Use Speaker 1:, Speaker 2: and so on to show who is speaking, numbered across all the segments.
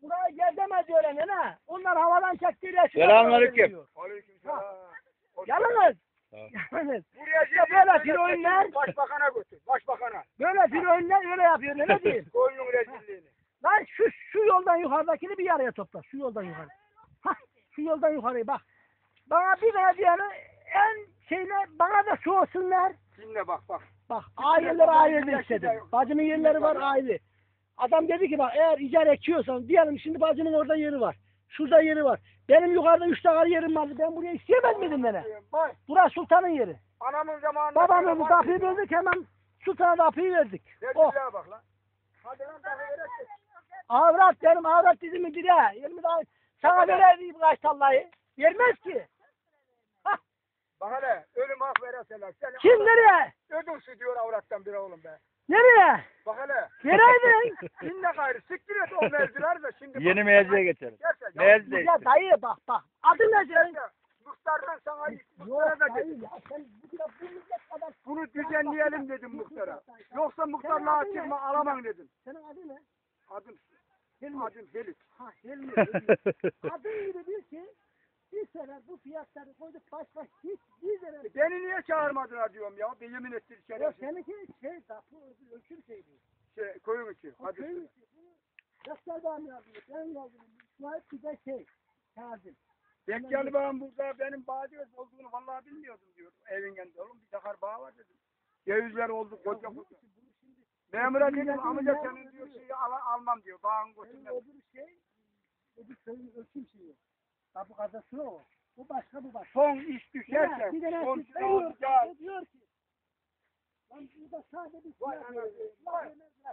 Speaker 1: buraya gezemez diyorlar ne? Onlar havadan çektiğiyle
Speaker 2: Selamünaleyküm.
Speaker 3: Aleykümselam.
Speaker 1: Yalnız.
Speaker 2: Tamam.
Speaker 1: Yalnız.
Speaker 3: Buraya
Speaker 1: İşte böyle filoinler.
Speaker 3: Başbakana götür. Başbakana.
Speaker 1: Böyle filoinler öyle yapıyor ne diyeyim?
Speaker 3: Koyunun rezilliğini.
Speaker 1: Lan şu yoldan yukarıdakini bir araya topla. Şu yoldan yukarı. Hah şu yoldan yukarıya bak. Bana bir verdiğini en şeyle bana da soğusunlar.
Speaker 3: Dinle bak.
Speaker 1: Bak aileler ayrı istedim. Bacımın yerleri var ayrı. Adam dedi ki bak eğer icar ekiyorsan diyelim şimdi bacının orada yeri var. Şurada yeri var. Benim yukarıda 3 tane yerim vardı. Ben buraya isteyemez miydim beni?
Speaker 3: Bak.
Speaker 1: Burası sultanın yeri.
Speaker 3: Anamın zamanında.
Speaker 1: Babamın bu kapıyı verdik hemen sultana da kapıyı verdik. Oh.
Speaker 3: Rezilliğe bak lan. Hadi lan daha verelim.
Speaker 1: Avrat benim avrat dizimi dire. 20 daha sana vereyim kaç tallayı. Vermez ki. Hah.
Speaker 3: Bak hele ölüm hak vereseler. Sen
Speaker 1: Kim nereye?
Speaker 3: ödülsü diyor avrattan bir oğlum be.
Speaker 1: Nereye?
Speaker 3: Bak hele.
Speaker 1: Vereydin.
Speaker 3: Dinle gayrı. Siktir et o mevziler de şimdi.
Speaker 2: Yeni mevziye geçelim.
Speaker 3: Gerçekten.
Speaker 2: Mevzi.
Speaker 1: Ya dayı bak. Adı ne senin?
Speaker 3: Muhtardan sana
Speaker 1: Yok
Speaker 3: muhtara da
Speaker 1: dayı
Speaker 3: dedim.
Speaker 1: ya sen bu millet kadar.
Speaker 3: Bunu düzenleyelim dedim muhtara. Yoksa muhtarlığa çıkma alamam dedim.
Speaker 1: Senin adı ne?
Speaker 3: Adım
Speaker 1: Hilmi.
Speaker 3: Adım Helik.
Speaker 1: Ha Hilmi. Adın gibi bir ki bir sene bu fiyatları koyduk başka hiçbir sene.
Speaker 3: Beni niye çağırmadılar diyorum ya. Bir yemin ettir
Speaker 1: Ya
Speaker 3: şerefsiz.
Speaker 1: seninki bu ölçüm şeydi.
Speaker 3: Koyun içi.
Speaker 1: O
Speaker 3: Hadi.
Speaker 1: köyün içi. Bunu Yaşlardan yazıyor. Ben yazdım. İsmail bir de Kazım.
Speaker 3: Bekkalı bağım burada benim bağcıöz olduğunu vallahi bilmiyordum diyor. Evin yanında oğlum bir dakar bağ var dedim. Cevizler oldu koca koca. Memura dedim amca senin diyor şeyi almam diyor. Bağın götürmem.
Speaker 1: Öbür köyün ölçüm şeyi. Ha bu kazası o. Bu başka bu başka.
Speaker 3: Son iş düşerse
Speaker 1: Bir tane
Speaker 3: son
Speaker 1: veriyor,
Speaker 3: ya.
Speaker 1: diyor ki lan burada sadece bir
Speaker 3: Vay
Speaker 1: silah
Speaker 3: anasını.
Speaker 1: veriyor.
Speaker 3: Vay.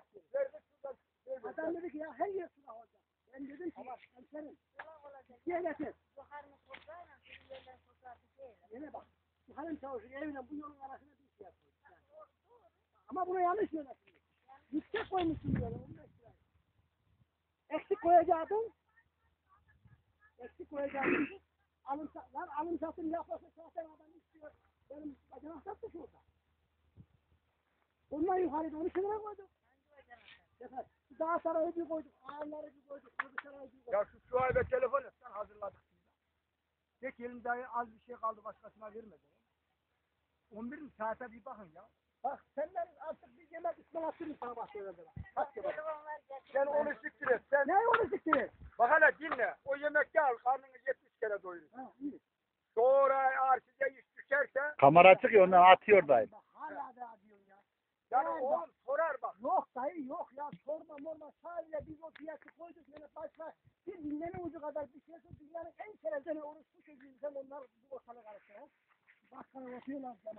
Speaker 1: Adam dedi ki ya her yer silah olacak. Ben dedim ki hemşerim. Diye getir. Yine bak. Bu hanım çavuşun evine bu yolun arasına bir şey yapıyor. Ama bunu yanlış yönetiyor. Yüksek koymuşsun diyorlar. Eksik koyacaktın. Alım satım yapması zaten adam istiyor. Benim bacanak sattı şurada. Ondan yukarıda 12 lira koyduk. Efendim, daha sarayı bir koyduk. Ağırları bir koyduk. Öbür sarayı bir koyduk.
Speaker 3: Ya şu sahibe telefon etsen hazırladık. Tek elimde az bir şey kaldı başkasına vermedi. 11 saate bir bakın ya.
Speaker 1: Bak senden artık bir yemek ısmarlattın sana bak şöyle de bak. Bak ya bak.
Speaker 3: Sen onu siktir et. Sen
Speaker 1: Ne onu siktir?
Speaker 3: bak hele dinle. O yemekte al karnını 70 kere doyurur.
Speaker 1: Ha iyi.
Speaker 3: Sonra eğer size iş düşerse
Speaker 2: Kamera açık ya ondan atıyor dayı.
Speaker 1: Bak hala da diyorsun ya.
Speaker 3: yani
Speaker 1: Yani
Speaker 3: oğlum sorar bak.
Speaker 1: Yok dayı yok ya sorma sadece biz o fiyatı koyduk yani başka bir dinlenin ucu kadar bir şey dünyanın en şerefli oruçlu çocuğu sen onlar bu ortalığı karıştıran. Bak sana yapıyorlar sana.